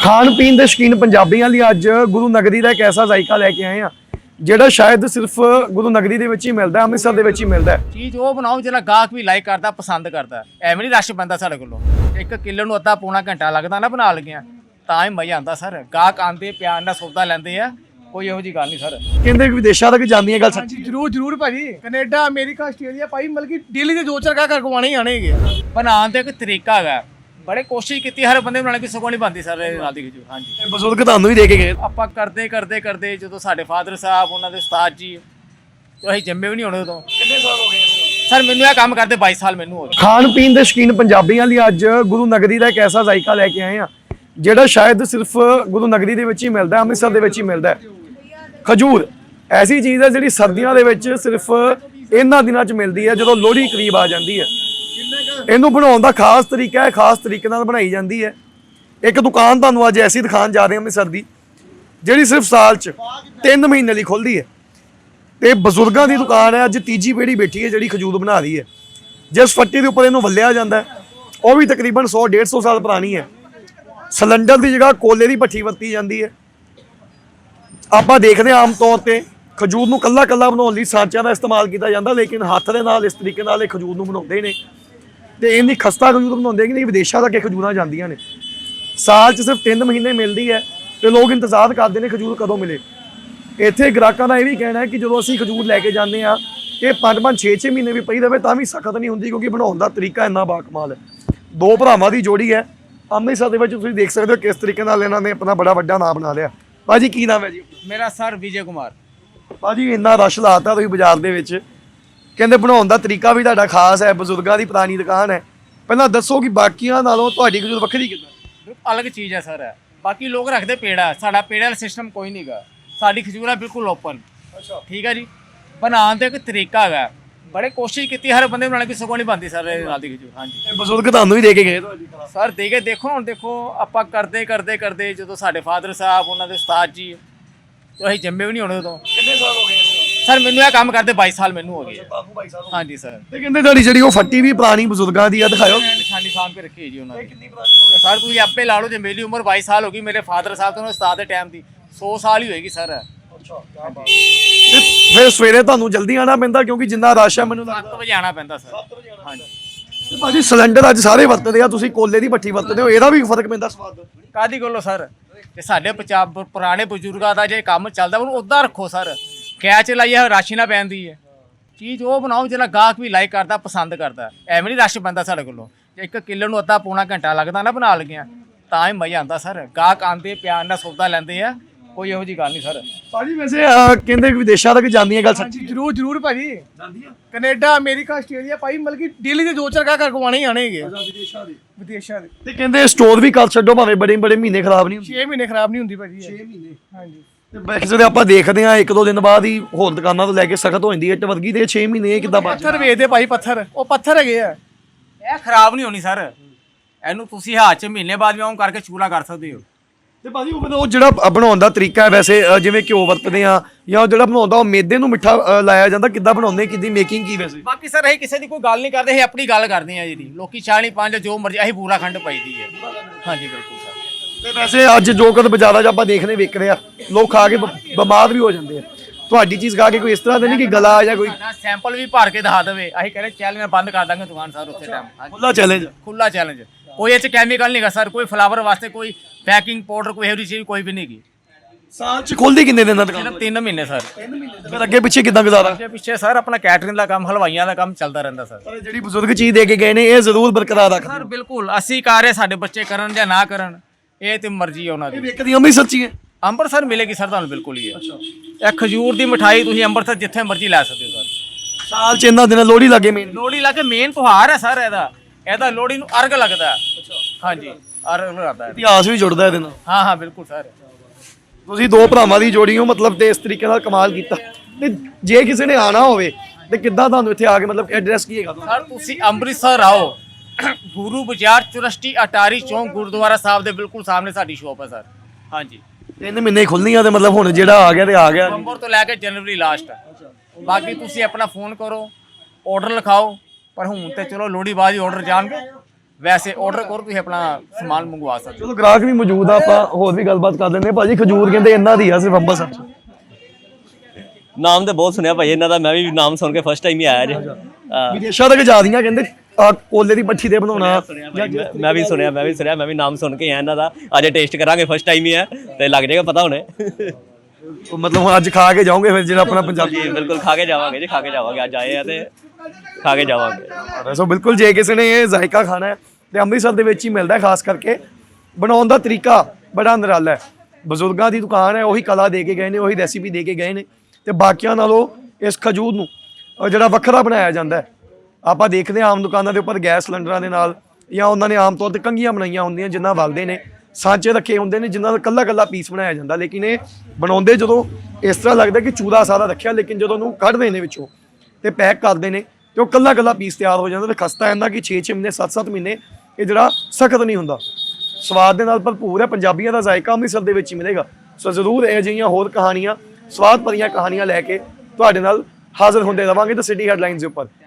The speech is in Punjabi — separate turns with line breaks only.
ਖਾਣ ਪੀਣ ਦੇ ਸ਼ੌਕੀਨ ਪੰਜਾਬੀਆਂ ਲਈ ਅੱਜ ਗੁਰੂ ਨਗਰੀ ਦਾ ਇੱਕ ਐਸਾ ਜ਼ਾਇਕਾ ਲੈ ਕੇ ਆਏ ਆ ਜਿਹੜਾ ਸ਼ਾਇਦ ਸਿਰਫ ਗੁਰੂ ਨਗਰੀ ਦੇ ਵਿੱਚ ਹੀ ਮਿਲਦਾ ਹੈ, ਅੰਮ੍ਰਿਤਸਰ ਦੇ ਵਿੱਚ ਹੀ ਮਿਲਦਾ ਹੈ।
ਚੀਜ਼ ਉਹ ਬਣਾਓ ਜਿਹੜਾ ਗਾਹਕ ਵੀ ਲਾਈਕ ਕਰਦਾ, ਪਸੰਦ ਕਰਦਾ। ਐਵੇਂ ਨਹੀਂ ਰਸ਼ ਪੈਂਦਾ ਸਾਡੇ ਕੋਲੋਂ। 1 ਕਿਲੋ ਨੂੰ ਅੱਧਾ ਪੌਣਾ ਘੰਟਾ ਲੱਗਦਾ ਨਾ ਬਣਾ ਲਗਿਆ, ਤਾਂ ਹੀ ਮਜ਼ਾ ਆਉਂਦਾ ਸਰ। ਗਾਹਕ ਆਉਂਦੇ ਪਿਆਰ ਨਾਲ ਸੌਦਾ ਲੈਂਦੇ ਆ, ਕੋਈ ਇਹੋ ਜੀ ਗੱਲ ਨਹੀਂ ਸਰ।
ਕਹਿੰਦੇ ਕਿ ਵਿਦੇਸ਼ਾਂ ਤੱਕ ਜਾਂਦੀਆਂ ਗੱਲ ਸੱਚੀ?
ਜਰੂਰ ਭਾਜੀ। ਕੈਨੇਡਾ, ਅਮਰੀਕਾ, ਆਸਟ੍ਰੇਲੀਆ ਭਾਈ ਮਤਲਬ ਕਿ ਡੇਲੀ ਦੇ 4 ਗਾਹਕ ਕਰਵਾਉਣੇ ਹੀ ਆਣੇ ਹੈਗੇ।
ਬਣਾਉਣ ਦਾ ਇੱਕ ਤਰੀਕਾ ਹੈਗਾ, ਬੜੇ ਕੋਸ਼ਿਸ਼ ਕੀਤੀ ਹਰ ਬੰਦੇ ਬਣਾਉਣ ਦੀ, ਸਗੋਂ ਨਹੀਂ ਬਣਦੀ ਸਰ ਨਾਲ ਦੀ। ਹਾਂਜੀ,
ਬਜ਼ੁਰਗ ਤੁਹਾਨੂੰ ਵੀ ਦੇ ਕੇ ਗਏ।
ਆਪਾਂ ਕਰਦੇ ਜਦੋਂ ਸਾਡੇ ਫਾਦਰ ਸਾਹਿਬ, ਉਹਨਾਂ ਦੇ ਉਸਤਾਦ ਜੀ, ਅਸੀਂ ਜੰਮੇ ਵੀ ਨਹੀਂ ਹੋਣੇ ਉਦੋਂ।
ਕਿੰਨੇ ਸਾਲ ਹੋ ਗਏ
ਸਰ ਮੈਨੂੰ ਇਹ ਕੰਮ ਕਰਦੇ 22 ਸਾਲ ਮੈਨੂੰ ਹੋ ਗਏ।
ਖਾਣ ਪੀਣ ਦੇ ਸ਼ੌਕੀਨ ਪੰਜਾਬੀਆਂ ਲਈ ਅੱਜ ਗੁਰੂ ਨਗਰੀ ਦਾ ਇੱਕ ਐਸਾ ਜ਼ਾਇਕਾ ਲੈ ਕੇ ਆਏ ਆ ਜਿਹੜਾ ਸ਼ਾਇਦ ਸਿਰਫ ਗੁਰੂ ਨਗਰੀ ਦੇ ਵਿੱਚ ਹੀ ਮਿਲਦਾ ਹੈ, ਅੰਮ੍ਰਿਤਸਰ ਦੇ ਵਿੱਚ ਹੀ ਮਿਲਦਾ ਹੈ। ਖਜੂਰ ਐਸੀ ਚੀਜ਼ ਹੈ ਜਿਹੜੀ ਸਰਦੀਆਂ ਦੇ ਵਿੱਚ ਸਿਰਫ ਇਹਨਾਂ ਦਿਨਾਂ 'ਚ ਮਿਲਦੀ ਹੈ, ਜਦੋਂ ਲੋਹੜੀ ਕਰੀਬ ਆ ਜਾਂਦੀ ਹੈ। ਇਹਨੂੰ ਬਣਾਉਣ ਦਾ ਖਾਸ ਤਰੀਕਾ ਹੈ, ਖਾਸ ਤਰੀਕੇ ਨਾਲ ਬਣਾਈ ਜਾਂਦੀ ਹੈ। ਇੱਕ ਦੁਕਾਨ ਤੁਹਾਨੂੰ ਅੱਜ ਐਸੀ ਦਿਖਾਉਣ ਜਾ ਰਹੇ ਹਾਂ ਅੰਮ੍ਰਿਤਸਰ ਦੀ, ਜਿਹੜੀ ਸਿਰਫ ਸਾਲ 'ਚ 3 ਮਹੀਨੇ ਲਈ ਖੁੱਲ੍ਹਦੀ ਹੈ। ਤੇ ਬਜ਼ੁਰਗਾਂ ਦੀ ਦੁਕਾਨ ਹੈ, ਅੱਜ ਤੀਜੀ ਪੀੜ੍ਹੀ ਬੈਠੀ ਹੈ ਜਿਹੜੀ ਖਜੂਰ ਬਣਾ ਰਹੀ ਹੈ। ਜਿਸ ਫੱਟੀ ਦੇ ਉੱਪਰ ਇਹਨੂੰ ਵੱਲਿਆ ਜਾਂਦਾ ਹੈ, ਉਹ ਵੀ ਤਕਰੀਬਨ 100-150 ਸਾਲ ਪੁਰਾਣੀ ਹੈ। ਸਿਲੰਡਰ ਦੀ ਜਗ੍ਹਾ ਕੋਲੇ ਦੀ ਭੱਠੀ ਵਰਤੀ ਜਾਂਦੀ ਹੈ। ਆਪਾਂ ਦੇਖਦੇ ਹਾਂ ਆਮ ਤੌਰ ਤੇ ਖਜੂਰ ਨੂੰ ਕੱਲਾ ਬਣਾਉਣ ਲਈ ਸਾਂਚਿਆਂ ਦਾ ਇਸਤੇਮਾਲ ਕੀਤਾ ਜਾਂਦਾ, ਲੇਕਿਨ ਹੱਥ ਦੇ ਨਾਲ ਇਸ ਤਰੀਕੇ ਨਾਲ ਇਹ ਖਜੂਰ ਨੂੰ ਬਣਾਉਂਦੇ ਨੇ। ਤੇ ਇੰਨੀ ਖਸਤਾ ਖਜੂਰ ਬਣਾਉਂਦੇ ਕਿ ਨਹੀਂ, ਵਿਦੇਸ਼ਾਂ ਤੱਕ ਇਹ ਖਜੂਰਾਂ ਜਾਂਦੀਆਂ ਨੇ। ਸਾਲ 'ਚ ਸਿਰਫ 3 ਮਹੀਨੇ ਮਿਲਦੀ ਹੈ ਤੇ ਲੋਕ ਇੰਤਜ਼ਾਰ ਕਰਦੇ ਨੇ ਖਜੂਰ ਕਦੋਂ ਮਿਲੇ। ਇੱਥੇ ਗ੍ਰਾਹਕਾਂ ਦਾ ਇਹ ਵੀ ਕਹਿਣਾ ਹੈ ਕਿ ਜਦੋਂ ਅਸੀਂ ਖਜੂਰ ਲੈ ਕੇ ਜਾਂਦੇ ਹਾਂ, ਇਹ 5-5, 6-6 ਮਹੀਨੇ ਵੀ ਪਈ ਰਹੇ ਤਾਂ ਵੀ ਸਖਤ ਨਹੀਂ ਹੁੰਦੀ, ਕਿਉਂਕਿ ਬਣਾਉਣ ਦਾ ਤਰੀਕਾ ਇੰਨਾ ਬਾਕਮਾਲ ਹੈ। 2 ਭਰਾਵਾਂ ਦੀ ਜੋੜੀ ਹੈ ਅੰਮ੍ਰਿਤਸਰ ਦੇ ਵਿੱਚ, ਤੁਸੀਂ ਦੇਖ ਸਕਦੇ ਹੋ ਕਿਸ ਤਰੀਕੇ ਨਾਲ ਇਹਨਾਂ ਨੇ ਆਪਣਾ ਬੜਾ ਵੱਡਾ ਨਾਮ ਬਣਾ ਲਿਆ। ਭਾਜੀ ਕੀ ਨਾਮ ਹੈ ਜੀ?
ਮੇਰਾ ਸਰ ਵਿਜੇ ਕੁਮਾਰ।
ਭਾਜੀ ਇੰਨਾ ਰਸ਼ ਲਾਤਾ ਤੁਸੀਂ ਬਾਜ਼ਾਰ ਦੇ ਵਿੱਚ, ਕਹਿੰਦੇ ਬਣਾਉਣ ਦਾ ਤਰੀਕਾ ਵੀ ਤੁਹਾਡਾ ਖਾਸ ਹੈ, ਬਜ਼ੁਰਗਾਂ ਦੀ ਪੁਰਾਣੀ ਦੁਕਾਨ ਹੈ। ਪਹਿਲਾਂ ਦੱਸੋ ਕਿ ਬਾਕੀਆਂ ਨਾਲੋਂ ਤੁਹਾਡੀ ਖਜੂਰ ਵੱਖਰੀ ਕਿੱਦਾਂ?
ਅਲੱਗ ਚੀਜ਼ ਹੈ ਸਰ। ਬਾਕੀ ਲੋਕ ਰੱਖਦੇ ਪੇੜਾ, ਸਾਡਾ ਪੇੜਾ ਵਾਲਾ ਸਿਸਟਮ ਕੋਈ ਨਹੀਂਗਾ। ਸਾਡੀ ਖਜੂਰ ਹੈ ਬਿਲਕੁਲ ਓਪਨ। ਠੀਕ ਹੈ ਜੀ। ਬਣਾਉਣ ਦਾ ਇੱਕ ਤਰੀਕਾ ਹੈਗਾ, ਬੜੇ ਕੋਸ਼ਿਸ਼ ਕੀਤੀ ਹਰ ਬੰਦੇ ਬਣਾਉਣ ਦੀ, ਸਗੋਂ ਨਹੀਂ ਬਣਦੀ ਸਰ ਨਾਲ ਦੀ ਖਜੂਰ। ਹਾਂਜੀ,
ਬਜ਼ੁਰਗ ਤੁਹਾਨੂੰ ਵੀ ਦੇ ਕੇ ਗਏ
ਸਰ ਦੇ ਕੇ ਦੇਖੋ। ਹੁਣ ਦੇਖੋ ਆਪਾਂ ਕਰਦੇ ਜਦੋਂ ਸਾਡੇ ਫਾਦਰ ਸਾਹਿਬ, ਉਹਨਾਂ ਦੇ ਉਸਤਾਦ ਜੀ, ਅਸੀਂ ਜੰਮੇ ਵੀ ਨਹੀਂ ਹੋਣੇ ਉਦੋਂ।
ਕਿੰਨੇ ਸਾਲ ਹੋ ਗਏ
ਸਰ ਮੈਨੂੰ ਇਹ ਕੰਮ ਕਰਦੇ 22 ਸਾਲ ਮੈਨੂੰ ਹੋ ਗਏ। ਹਾਂਜੀ ਸਰ।
ਤੇ ਕਹਿੰਦੇ ਤੁਹਾਡੀ ਜਿਹੜੀ ਉਹ ਫੱਟੀ ਵੀ ਪੁਰਾਣੀ ਬਜ਼ੁਰਗਾਂ ਦੀ ਆ, ਦਿਖਾਓ।
ਨਿਸ਼ਾਨੀ ਸਾਂਭ ਕੇ ਰੱਖੀ ਜੀ ਉਹਨਾਂ ਨੇ। ਸਰ ਤੁਸੀਂ ਆਪੇ ਲਾ ਲਓ, ਜੇ ਮੇਰੀ ਉਮਰ 22 ਸਾਲ ਹੋ ਗਈ, ਮੇਰੇ ਫਾਦਰ ਸਾਹਿਬ ਤੋਂ ਉਸਤਾਦ ਦੇ ਟਾਈਮ ਦੀ 100 ਸਾਲ ਹੀ ਹੋਏਗੀ ਸਰ।
ਫਿਰ ਸਵੇਰੇ ਤੁਹਾਨੂੰ ਜਲਦੀ ਆਣਾ ਪੈਂਦਾ, ਕਿਉਂਕਿ ਜਿੰਨਾ ਰਸ਼ ਹੈ ਮੈਨੂੰ
7 ਵਜੇ ਆਣਾ ਪੈਂਦਾ ਸਰ। ਹਾਂਜੀ।
ਤੇ ਭਾਜੀ ਸਿਲੰਡਰ ਅੱਜ ਸਾਰੇ ਵਰਤਦੇ ਆ, ਤੁਸੀਂ ਕੋਲੇ ਦੀ ਭੱਠੀ ਵਰਤਦੇ ਹੋ, ਇਹਦਾ ਵੀ ਫਰਕ ਪੈਂਦਾ ਸਵਾਦ?
ਕਾਦੀ ਗੱਲੋਂ ਸਰ, ਤੇ ਸਾਡੇ ਪੁਰਾਣੇ ਬਜ਼ੁਰਗਾਂ ਦਾ ਜੇ ਕੰਮ ਚੱਲਦਾ ਉਹਨੂੰ ਉੱਦਾਂ ਰੱਖੋ ਸਰ। ਕੈਚ ਲਾਈਏ ਰਾਸ਼ੀ ਨਾ ਪੈਂਦੀ ਹੈ। ਚੀਜ਼ ਉਹ ਬਣਾਓ ਜਿਹੜਾ ਗਾਹਕ ਵੀ ਲਾਈਕ ਕਰਦਾ, ਪਸੰਦ ਕਰਦਾ। ਐਵੇਂ ਨਹੀਂ ਰਸ਼ ਪੈਂਦਾ ਸਾਡੇ ਕੋਲੋਂ। ਜੇ 1 ਕਿਲੋ ਨੂੰ ਅੱਧਾ ਪੌਣਾ ਘੰਟਾ ਲੱਗਦਾ ਨਾ ਬਣਾ ਲਗਿਆ, ਤਾਂ ਹੀ ਮਜ਼ਾ ਆਉਂਦਾ ਸਰ। ਗਾਹਕ ਆਉਂਦੇ ਪਿਆਰ ਨਾਲ ਸੌਦਾ ਲੈਂਦੇ ਆ, ਕੋਈ ਇਹੋ ਜੀ ਗੱਲ ਨਹੀਂ ਸਰ।
ਭਾਜੀ ਵੈਸੇ ਕਹਿੰਦੇ ਕਿ ਵਿਦੇਸ਼ਾਂ ਤੱਕ ਜਾਂਦੀਆਂ ਗੱਲ ਸੱਚੀ?
ਜਰੂਰ ਭਾਜੀ। ਕੈਨੇਡਾ, ਅਮਰੀਕਾ, ਆਸਟ੍ਰੇਲੀਆ ਭਾਈ ਮਤਲਬ ਕਿ ਡੇਲੀ ਦੇ 4 ਗਾਹਕ ਕਰਵਾਉਣੇ ਹੀ ਆਣੇ ਹੈਗੇ। ਵਿਦੇਸ਼ਾਂ ਦੇ।
ਤੇ ਕਹਿੰਦੇ ਸਟੋਰ ਵੀ ਕਰ ਛੱਡੋ, ਭਾਵੇਂ ਬੜੇ ਮਹੀਨੇ ਖਰਾਬ ਨਹੀਂ ਹੁੰਦੇ।
6 ਮਹੀਨੇ ਖਰਾਬ ਨਹੀਂ ਹੁੰਦੀ ਭਾਜੀ। 6 ਮਹੀਨੇ। ਹਾਂਜੀ।
ਤੇ ਕਿਸੇ ਦੇ ਆਪਾਂ ਦੇਖਦੇ ਹਾਂ 1-2 ਦਿਨ ਬਾਅਦ ਹੀ ਹੋਰ ਦੁਕਾਨਾਂ ਤੋਂ ਲੈ ਕੇ ਸਖਤ ਹੋ ਜਾਂਦੀ ਹੈ ਇੱਟ ਵਰਗੀ, ਤੇ 6 ਮਹੀਨੇ ਕਿੱਦਾਂ ਬਚ?
ਪੱਥਰ ਵੇਚਦੇ ਭਾਈ, ਪੱਥਰ ਉਹ ਪੱਥਰ ਹੈਗੇ ਆ।
ਇਹ ਖਰਾਬ ਨਹੀਂ ਹੋਣੀ ਸਰ। ਇਹਨੂੰ ਤੁਸੀਂ ਹੱਥ 'ਚ ਮਹੀਨੇ ਬਾਅਦ ਵੀ ਆਉਂ ਕਰਕੇ ਚੂਲਾ ਕਰ ਸਕਦੇ ਹੋ।
ਤੇ ਭਾਜੀ ਉਹ ਜਿਹੜਾ ਬਣਾਉਣ ਦਾ ਤਰੀਕਾ ਹੈ, ਵੈਸੇ ਜਿਵੇਂ ਘਿਓ ਵਰਤਦੇ ਆ ਜਾਂ ਉਹ ਜਿਹੜਾ ਬਣਾਉਂਦਾ ਉਹ ਮੈਦੇ ਨੂੰ ਮਿੱਠਾ ਲਾਇਆ ਜਾਂਦਾ, ਕਿੱਦਾਂ ਬਣਾਉਂਦੇ, ਕਿੱਦੀ ਮੇਕਿੰਗ ਕੀ? ਵੈਸੇ
ਬਾਕੀ ਸਰ ਅਸੀਂ ਕਿਸੇ ਦੀ ਕੋਈ ਗੱਲ ਨਹੀਂ ਕਰਦੇ, ਅਸੀਂ ਆਪਣੀ ਗੱਲ ਕਰਦੇ ਹਾਂ ਜੀ। ਲੋਕੀ 40-5 ਜੋ ਮਰਜ਼ੀ, ਅਸੀਂ ਪੂਰਾ ਖੰਡ ਪਾਈਦੀ ਹੈ। ਹਾਂਜੀ ਬਿਲਕੁਲ ਸਰ।
ਤੇ ਵੈਸੇ ਅੱਜ ਜੋ ਕਦ ਬਾਜ਼ਾਰਾਂ 'ਚ ਆਪਾਂ ਦੇਖਦੇ ਵਿਕ ਰਿਹਾ, ਲੋਕ ਖਾ ਕੇ ਬਿਮਾਰ ਵੀ ਹੋ ਜਾਂਦੇ ਆ। ਤੁਹਾਡੀ ਚੀਜ਼ ਖਾ ਕੇ ਕੋਈ ਇਸ ਤਰ੍ਹਾਂ ਦੇ ਨਹੀਂ ਕਿ ਗਲਾ ਜਾਂ ਕੋਈ
ਸੈਂਪਲ ਵੀ ਭਰ ਕੇ ਦਿਖਾ ਦੇਵੇ, ਅਸੀਂ ਕਹਿੰਦੇ ਚੈਲੰਜ ਬੰਦ ਕਰ ਦਾਂਗੇ ਦੁਕਾਨ ਸਰ ਉੱਥੇ ਟਾਈਮ।
ਖੁੱਲਾ ਚੈਲੰਜ? ਖੁੱਲਾ
ਚੈਲੰਜ। ਕੋਈ ਇਹ 'ਚ ਕੈਮੀਕਲ ਨਹੀਂ ਗਾ ਸਰ, ਕੋਈ ਫਲਾਵਰ ਵਾਸਤੇ ਕੋਈ ਪੈਕਿੰਗ ਪਾਊਡਰ, ਕੋਈ ਇਹੋ ਜਿਹੀ ਚੀਜ਼ ਕੋਈ ਵੀ ਨਹੀਂ ਗੀ।
ਸਾਲ 'ਚ ਖੁੱਲਦੀ ਕਿੰਨੇ ਦਿਨਾਂ ਦੁਕਾਨ?
ਸਿਰਫ 3 ਮਹੀਨੇ ਸਰ।
ਫਿਰ ਅੱਗੇ ਪਿੱਛੇ ਕਿੱਦਾਂ ਗੁਜ਼ਾਰਾ?
ਅੱਗੇ ਪਿੱਛੇ ਸਰ ਆਪਣਾ ਕੈਟਰਿੰਗ ਦਾ ਕੰਮ, ਹਲਵਾਈਆਂ ਦਾ ਕੰਮ ਚੱਲਦਾ ਰਹਿੰਦਾ ਸਰ।
ਪਰ ਜਿਹੜੀ ਬਜ਼ੁਰਗ ਚੀਜ਼ ਦੇ ਕੇ ਗਏ ਨੇ ਇਹ ਜ਼ਰੂਰ ਬਰਕਰਾਰ ਰੱਖਦੇ
ਸਰ ਬਿਲਕੁਲ। ਅਸੀਂ ਕਰ ਰਹੇ, ਸਾਡੇ ਬੱਚੇ ਕਰਨ ਜਾਂ ਨਾ ਕਰਨ, ਇਹ ਤੇ ਮਰਜ਼ੀ ਹੈ ਉਹਨਾਂ ਦੀ।
ਵਿਕਦੀ ਅੰਮ੍ਰਿਤਸਰ 'ਚ ਹੀ ਹੈ?
ਅੰਮ੍ਰਿਤਸਰ ਮਿਲੇਗੀ ਸਰ ਤੁਹਾਨੂੰ ਬਿਲਕੁਲ ਹੀ ਹੈ। ਇਹ ਖਜੂਰ ਦੀ ਮਿਠਾਈ ਤੁਸੀਂ ਅੰਮ੍ਰਿਤਸਰ ਜਿੱਥੇ ਮਰਜ਼ੀ ਲੈ ਸਕਦੇ ਹੋ ਸਰ।
ਸਾਲ 'ਚ ਇਹਨਾਂ ਦਿਨਾਂ ਲੋਹੜੀ ਲੱਗੇ ਮੇਨ?
ਲੋਹੜੀ ਲਾ ਕੇ ਮੇਨ ਤਿਉਹਾਰ ਹੈ ਸਰ ਇਹਦਾ ਲੋਹੜੀ ਨੂੰ ਅਰਗ ਲੱਗਦਾ ਹੈ। ਹਾਂਜੀ ਅਰਗ ਲੱਗਦਾ ਹੈ।
ਇਤਿਹਾਸ ਵੀ ਜੁੜਦਾ ਇਹਦੇ ਨਾਲ?
ਹਾਂ ਬਿਲਕੁਲ ਸਰ।
ਤੁਸੀਂ 2 ਭਰਾਵਾਂ ਦੀ ਜੋੜੀ ਹੋ, ਮਤਲਬ ਤੇ ਇਸ ਤਰੀਕੇ ਨਾਲ ਕਮਾਲ ਕੀਤਾ। ਤੇ ਜੇ ਕਿਸੇ ਨੇ ਆਣਾ ਹੋਵੇ ਤੇ ਕਿੱਦਾਂ ਤੁਹਾਨੂੰ ਇੱਥੇ ਆ ਕੇ, ਮਤਲਬ ਐਡਰੈਸ ਕੀ ਹੈਗਾ?
ਸਰ ਤੁਸੀਂ ਅੰਮ੍ਰਿਤਸਰ ਆਓ, ਗੁਰੂ ਬਾਜ਼ਾਰ ਚੁਰਸਟੀ ਅਟਾਰੀ ਚੌਂਕ ਗੁਰਦੁਆਰਾ ਸਾਹਿਬ ਦੇ ਬਿਲਕੁਲ ਸਾਹਮਣੇ ਸਾਡੀ ਸ਼ੋਪ ਹੈ ਸਰ। ਹਾਂਜੀ।
3 ਮਹੀਨੇ ਖੁੱਲਣੀਆਂ ਤੇ ਮਤਲਬ ਹੁਣ ਜਿਹੜਾ ਆ ਗਿਆ ਤੇ ਆ ਗਿਆ।
ਨਵੰਬਰ ਤੋਂ ਲੈ ਕੇ ਜਨਵਰੀ ਲਾਸਟ। ਬਾਕੀ ਤੁਸੀਂ ਆਪਣਾ ਫੋਨ ਕਰੋ, ਆਰਡਰ ਲਿਖਾਓ। ਪਰ ਹੁਣ ਤੇ ਚਲੋ ਲੋਹੜੀ ਬਾਅਦ ਹੀ ਆਰਡਰ ਜਾਣਗੇ। ਵੈਸੇ ਆਰਡਰ ਕਰੋ ਤੁਸੀਂ ਆਪਣਾ ਸਮਾਨ ਮੰਗਵਾ ਸਕਦੇ ਹੋ।
ਚਲੋ ਗ੍ਰਾਹਕ ਵੀ ਮੌਜੂਦ ਆ, ਆਪਾਂ ਹੋਰ ਵੀ ਗੱਲਬਾਤ ਕਰ ਲੈਂਦੇ ਹਾਂ। ਭਾਜੀ ਖਜੂਰ ਕਹਿੰਦੇ ਇਹਨਾਂ ਦੀ ਆ ਸਿਰਫ ਅੰਮ੍ਰਿਤਸਰ 'ਚ।
ਨਾਮ ਤਾਂ ਬਹੁਤ ਸੁਣਿਆ ਭਾਈ ਇਹਨਾਂ ਦਾ, ਮੈਂ ਵੀ ਨਾਮ ਸੁਣ ਕੇ ਫਸਟ ਟਾਈਮ ਹੀ ਆਇਆ ਜੇ।
ਵਿਦੇਸ਼ਾਂ ਤੱਕ ਜਾ ਰਹੀਆਂ ਕਹਿੰਦੇ ਕੋਲੇ ਦੀ ਪੱਠੀ ਤੇ ਬਣਾਉਣਾ।
ਮੈਂ ਵੀ ਸੁਣਿਆ, ਮੈਂ ਵੀ ਨਾਮ ਸੁਣ ਕੇ ਆਇਆ ਇਹਨਾਂ ਦਾ। ਅੱਜ ਟੇਸਟ ਕਰਾਂਗੇ, ਫਸਟ ਟਾਈਮ ਹੀ ਹੈ ਤੇ ਲੱਗ ਜਾਏਗਾ ਪਤਾ ਹੁਣੇ।
ਮਤਲਬ ਹੁਣ ਅੱਜ ਖਾ ਕੇ ਜਾਓਗੇ ਫਿਰ ਜਿਹੜਾ ਆਪਣਾ ਪੰਜਾਬੀ।
ਜੀ ਬਿਲਕੁਲ ਖਾ ਕੇ ਜਾਵਾਂਗੇ ਜੀ, ਖਾ ਕੇ ਜਾਵਾਂਗੇ। ਅੱਜ ਆਏ ਆ ਤੇ ਖਾ ਕੇ ਜਾਵਾਂਗੇ।
ਸੋ ਬਿਲਕੁਲ ਜੇ ਕਿਸੇ ਨੇ ਇਹ ਜ਼ਾਇਕਾ ਖਾਣਾ ਹੈ ਤੇ ਅੰਮ੍ਰਿਤਸਰ ਦੇ ਵਿੱਚ ਹੀ ਮਿਲਦਾ ਹੈ। ਖਾਸ ਕਰਕੇ ਬਣਾਉਣ ਦਾ ਤਰੀਕਾ ਬੜਾ ਨਿਰਾਲਾ ਹੈ। ਬਜ਼ੁਰਗਾਂ ਦੀ ਦੁਕਾਨ ਹੈ, ਉਹੀ ਕਲਾ ਦੇ ਕੇ ਗਏ ਨੇ, ਉਹੀ ਰੈਸਿਪੀ ਦੇ ਕੇ ਗਏ ਨੇ ਤੇ ਬਾਕੀਆਂ ਨਾਲੋਂ ਇਸ ਖਜੂਰ ਨੂੰ ਜਿਹੜਾ ਵੱਖਰਾ ਬਣਾਇਆ ਜਾਂਦਾ ਹੈ। ਆਪਾਂ ਦੇਖਦੇ ਹਾਂ ਆਮ ਦੁਕਾਨਾਂ ਦੇ ਉੱਪਰ ਗੈਸ ਸਿਲੰਡਰਾਂ ਦੇ ਨਾਲ ਜਾਂ ਉਹਨਾਂ ਨੇ ਆਮ ਤੌਰ ਤੇ ਕੰਘੀਆਂ ਬਣਾਈਆਂ ਹੁੰਦੀਆਂ ਜਿਨ੍ਹਾਂ ਵਲਦੇ ਨੇ, ਸਾਂਚੇ ਰੱਖੇ ਹੁੰਦੇ ਨੇ ਜਿਨ੍ਹਾਂ ਦਾ ਕੱਲਾ ਪੀਸ ਬਣਾਇਆ ਜਾਂਦਾ। ਲੇਕਿਨ ਇਹ ਬਣਾਉਂਦੇ ਜਦੋਂ ਇਸ ਤਰ੍ਹਾਂ ਲੱਗਦਾ ਕਿ ਚੂਰਾ ਸਾਰਾ ਰੱਖਿਆ, ਲੇਕਿਨ ਜਦੋਂ ਉਹਨੂੰ ਕੱਢਦੇ ਨੇ ਵਿੱਚੋਂ ਤੇ ਪੈਕ ਕਰਦੇ ਨੇ ਤੇ ਉਹ ਕੱਲਾ ਪੀਸ ਤਿਆਰ ਹੋ ਜਾਂਦਾ ਤੇ ਖਸਤਾ ਜਾਂਦਾ ਕਿ 6-6 ਮਹੀਨੇ 7-7 ਮਹੀਨੇ ਇਹ ਜਿਹੜਾ ਸਖਤ ਨਹੀਂ ਹੁੰਦਾ। ਸਵਾਦ ਦੇ ਨਾਲ ਭਰਪੂਰ ਹੈ। ਪੰਜਾਬੀਆਂ ਦਾ ਜ਼ਾਇਕਾ ਅੰਮ੍ਰਿਤਸਰ ਦੇ ਵਿੱਚ ਹੀ ਮਿਲੇਗਾ। ਸੋ ਜ਼ਰੂਰ ਇਹ ਜਿਹੀਆਂ ਹੋਰ ਕਹਾਣੀਆਂ, ਸਵਾਦ ਭਰੀਆਂ ਕਹਾਣੀਆਂ ਲੈ ਕੇ ਤੁਹਾਡੇ ਨਾਲ ਹਾਜ਼ਰ ਹੁੰਦੇ ਰਵਾਂਗੇ ਤਾਂ ਸਿਟੀ ਹੈਡਲਾਈਨਸ ਦੇ ਉੱਪਰ।